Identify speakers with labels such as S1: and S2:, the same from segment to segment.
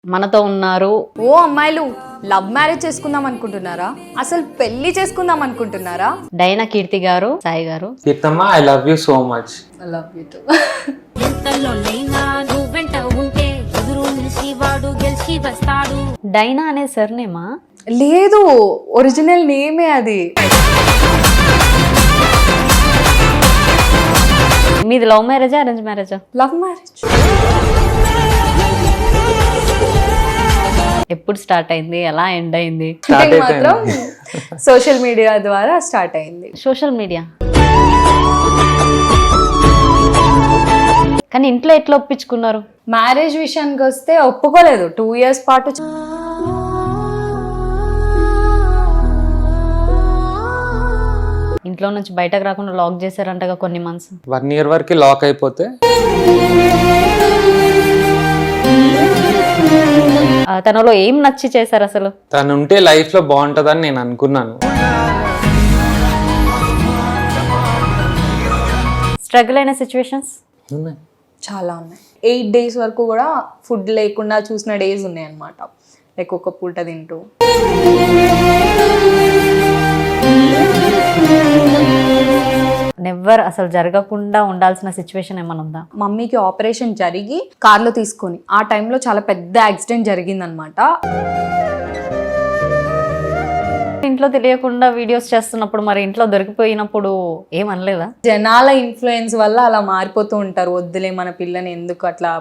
S1: మనతో ఉన్నారు.
S2: ఓ అమ్మాయిలు లవ్ మ్యారేజ్ చేసుకుందాం అనుకుంటున్నారా? అసలు పెళ్లి చేసుకుందాం అనుకుంటున్నారా?
S1: డైనా కీర్తి గారు, సాయి గారు.
S3: కీర్తమ్మ, I love you so much.
S2: I love you too.
S1: డైనా అనే సర్నేమా?
S2: లేదు, ఒరిజినల్ నేమే అది.
S1: మీది లవ్ మ్యారేజా, అరేంజ్ మ్యారేజా?
S2: Love marriage.
S1: ఎప్పుడు స్టార్ట్ అయింది, ఎలా ఎండ్ అయింది?
S2: అంటే మాత్రం సోషల్ మీడియా ద్వారా స్టార్ట్ అయింది.
S1: Social media. కానీ ఇంట్లో ఎట్లా ఒప్పించుకున్నారు?
S2: మ్యారేజ్ విషయానికి వస్తే ఒప్పుకోలేదు. 2 years పాటు
S1: ఇంట్లో నుంచి బయటకు రాకుండా లాక్ చేశారంటగా కొన్ని మంత్స్.
S3: 1 year వరకు లాక్ అయిపోతే
S1: తనలో ఏం నచ్చి చేశారు అసలు?
S3: తను ఉంటే లైఫ్ లో బాగుంటదని నేను అనుకున్నాను.
S1: స్ట్రగుల్ అయిన సిచ్యువేషన్స్
S2: చాలా ఉన్నాయి. 8 days వరకు కూడా ఫుడ్ లేకుండా చూసిన డేస్ ఉన్నాయి అన్నమాట. లైక్ ఒక పూట తింటూ.
S1: నెవర్ అసలు జరగకుండా ఉండాల్సిన సిచ్యువేషన్ ఏమైనా ఉందా?
S2: మమ్మీకి ఆపరేషన్ జరిగి కార్లో తీసుకొని ఆ టైంలో చాలా పెద్ద యాక్సిడెంట్ జరిగిందనమాట.
S1: ఇంట్లో తెలియకుండా వీడియోస్ చేస్తున్నప్పుడు మరి ఇంట్లో దొరికిపోయినప్పుడు ఏమనలేదా?
S2: జనాల ఇన్ఫ్లుయెన్స్ వల్ల అలా మారిపోతూ ఉంటారు. వద్దులే మన పిల్లని ఎందుకు అట్లా.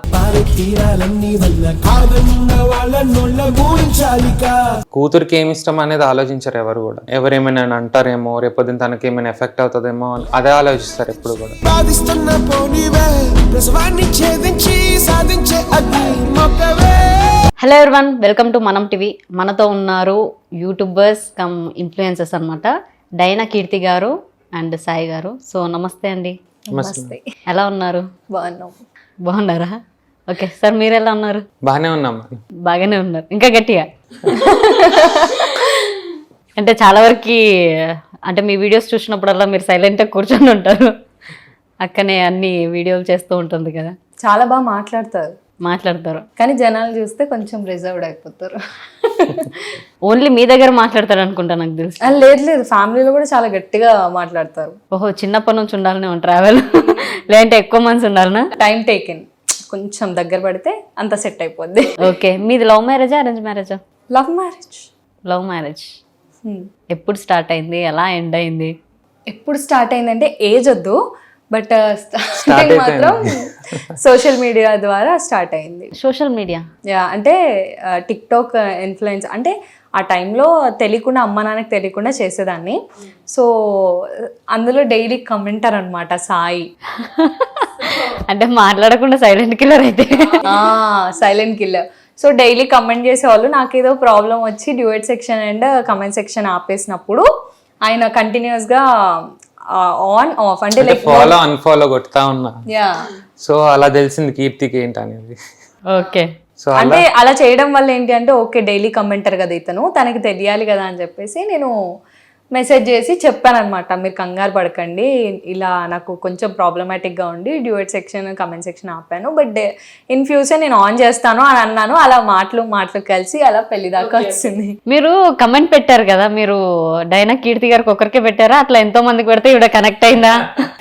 S3: కూతురికి ఏమి ఇష్టం అనేది ఆలోచించారు ఎవరు కూడా. ఎవరేమైనా అంటారేమో, రేపొద్దున తనకి ఏమైనా ఎఫెక్ట్ అవుతుందేమో అదే ఆలోచిస్తారు ఎప్పుడు కూడా.
S1: హలో ఎవ్రీవన్, వెల్కమ్ టు మనం టీవీ. మనతో ఉన్నారు యూట్యూబర్స్ కమ్ ఇన్ఫ్లుయెన్సర్స్ అనమాట, డైనా కీర్తి గారు అండ్ సాయి గారు. సో నమస్తే అండి.
S2: నమస్తే.
S1: ఎలా ఉన్నారు?
S2: బాగున్నాం.
S1: బాగున్నారా? ఓకే సార్, మీరు ఎలా ఉన్నారు?
S3: బాగానే ఉన్నాం.
S1: బాగానే ఉన్నారు, ఇంకా గట్టిగా. అంటే చాలా వరకు అంటే మీ వీడియోస్ చూసినప్పుడల్లా మీరు సైలెంట్గా కూర్చొని ఉంటారు, అక్కనే అన్ని వీడియోలు చేస్తూ ఉంటుంది కదా.
S2: చాలా బాగా మాట్లాడతారు కానీ జనాలు చూస్తే కొంచెం రిజర్వ్డ్ అయిపోతారు.
S1: ఓన్లీ మీ దగ్గర మాట్లాడతారు అనుకుంటా, నాకు తెలుసు.
S2: లేదు, ఫ్యామిలీలో కూడా చాలా గట్టిగా మాట్లాడతారు.
S1: ఓహో, చిన్నప్పటి నుంచి ఉండాలనే ట్రావెల్ లేదంటే ఎక్కువ మంత్స్ ఉండాలనా?
S2: టైం టేకెన్, కొంచెం దగ్గర పడితే అంత సెట్ అయిపోద్ది.
S1: ఓకే, మీది లవ్ మ్యారేజా, అరేంజ్ మ్యారేజా?
S2: Love marriage.
S1: Love marriage. ఎప్పుడు స్టార్ట్ అయింది, ఎలా ఎండ్ అయింది?
S2: ఎప్పుడు స్టార్ట్ అయిందంటే ఏజ్ వద్దు, బట్ స్టార్టింగ్ మాత్రం సోషల్ మీడియా ద్వారా స్టార్ట్ అయింది.
S1: సోషల్ మీడియా
S2: అంటే టిక్ టాక్ ఇన్ఫ్లుయెన్స్. అంటే ఆ టైంలో తెలియకుండా, అమ్మ నాన్నకి తెలియకుండా చేసేదాన్ని. సో అందులో డైలీ కమెంటర్ అనమాట సాయి.
S1: అంటే మాట్లాడకుండా సైలెంట్ కిల్లర్ అయితే.
S2: Silent killer. So daily comment చేసేవాళ్ళు. నాకేదో ప్రాబ్లం వచ్చి duet section and comment section ఆపేసినప్పుడు ఆయన కంటిన్యూస్గా ఆన్ ఆఫ్ అంటే లైక్
S3: ఫాలో అన్ఫాలో కొడతా ఉన్నా. సో అలా తెలిసింది కీర్తికి ఏంటనేది.
S1: ఓకే.
S3: సో
S2: అంటే అలా చేయడం వల్ల ఏంటి అంటే, ఓకే డైలీ కమెంటర్ కదా ఇతను, తనకి తెలియాలి కదా అని చెప్పేసి నేను మెసేజ్ చేసి చెప్పాను అనమాట. మీరు కంగారు పడకండి, ఇలా నాకు కొంచెం ప్రాబ్లమాటిక్గా ఉండి డ్యూయట్ సెక్షన్ కమెంట్ సెక్షన్ ఆపాను, బట్ ఇన్ ఫ్యూచర్ నేను ఆన్ చేస్తాను అని అన్నాను. అలా మాటలు కలిసి అలా పెళ్లి దాకా వచ్చింది.
S1: మీరు కమెంట్ పెట్టారు కదా, మీరు డైనా కీర్తి గారికి ఒకరికే పెట్టారా, అట్లా ఎంతో మందికి పెడితే ఇవిడ కనెక్ట్ అయిందా?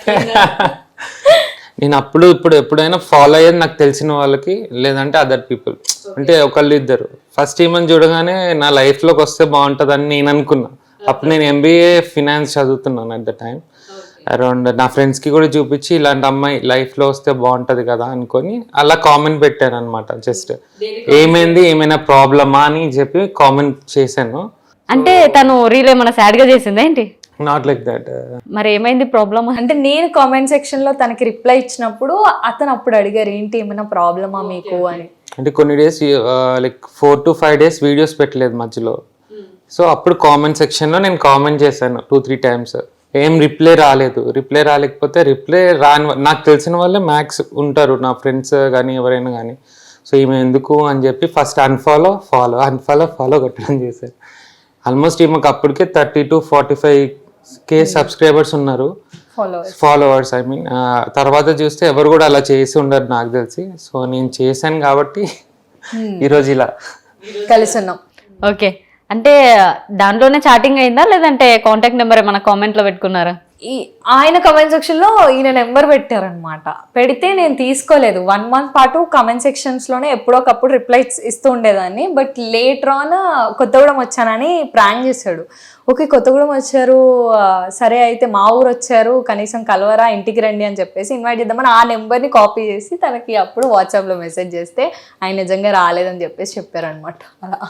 S3: నేను ఇప్పుడు ఎప్పుడైనా ఫాలో అయ్యేది నాకు తెలిసిన వాళ్ళకి, లేదంటే అదర్ పీపుల్. అంటే ఒకళ్ళు ఇద్దరు. ఫస్ట్ ఈమెను చూడగానే నా లైఫ్లోకి వస్తే బాగుంటుందని నేను అనుకున్నా. అప్పుడు నేను MBA ఫినాన్స్ చదువుతున్నాను అట్ ద టైం. అరౌండ్ నా ఫ్రెండ్స్కి కూడా చూపించి ఇలాంటి అమ్మాయి లైఫ్లో వస్తే బాగుంటుంది కదా అనుకొని అలా కామెంట్ పెట్టాను అనమాట. జస్ట్ ఏమైంది, ఏమైనా ప్రాబ్లమా అని చెప్పి కామెంట్ చేశాను.
S1: అంటే తను రీల్ ఏమైనా సాడ్గా చేసిందా ఏంటి?
S3: Not like that.
S1: మరి ఏమైంది ప్రాబ్లమ్?
S2: అంటే నేను కామెంట్ సెక్షన్ లో తనకి రిప్లై ఇచ్చినప్పుడు అతను అప్పుడు అడిగారు, ఏంటి ఏమైనా ప్రాబ్లమా మీకు అని. అంటే
S3: కొన్ని days like 4 to 5 days videos పెట్టలేదు మధ్యలో. సో అప్పుడు కామెంట్ సెక్షన్లో నేను కామెంట్ చేశాను 2-3 times. ఏం రిప్లై రాలేకపోతే రిప్లై రాని నాకు తెలిసిన వాళ్ళే మ్యాక్స్ ఉంటారు, నా ఫ్రెండ్స్ కానీ ఎవరైనా కానీ. సో ఈమె ఎందుకు అని చెప్పి ఫస్ట్ అన్ఫాలో కొట్టడం చేశాను. ఆల్మోస్ట్ ఈమెకు అప్పటికే 30 to 45K సబ్స్క్రైబర్స్ ఉన్నారు, ఫాలోవర్స్. ఐ మీన్ తర్వాత చూస్తే ఎవరు కూడా అలా చేసి ఉండరు నాకు తెలిసి. సో నేను చేశాను కాబట్టి ఈరోజు ఇలా
S2: కలిసి ఉన్నాం.
S1: ఓకే, అంటే దాంట్లోనే చాటింగ్ అయిందా లేదంటే కాంటాక్ట్ నెంబర్ ఏమైనా కామెంట్లో పెట్టుకున్నారా?
S2: ఆయన కమెంట్ సెక్షన్ లో ఈయన నెంబర్ పెట్టారనమాట. పెడితే నేను తీసుకోలేదు. 1 month పాటు కమెంట్ సెక్షన్స్ లోనే ఎప్పుడోకప్పుడు రిప్లైస్ ఇస్తూ ఉండేదాన్ని. బట్ లేటర్ ఆన్ కొత్తగూడెం వచ్చానని ప్రాంక్ చేశాడు. ఓకే కొత్తగూడెం వచ్చారు, సరే అయితే మా ఊరు వచ్చారు, కనీసం కలవరా, ఇంటికి రండి అని చెప్పేసి ఇన్వైట్ చేద్దామని ఆ నెంబర్ని కాపీ చేసి తనకి అప్పుడు వాట్సాప్లో మెసేజ్ చేస్తే ఆయన నిజంగా రాలేదని చెప్పేసి చెప్పారనమాట. అలా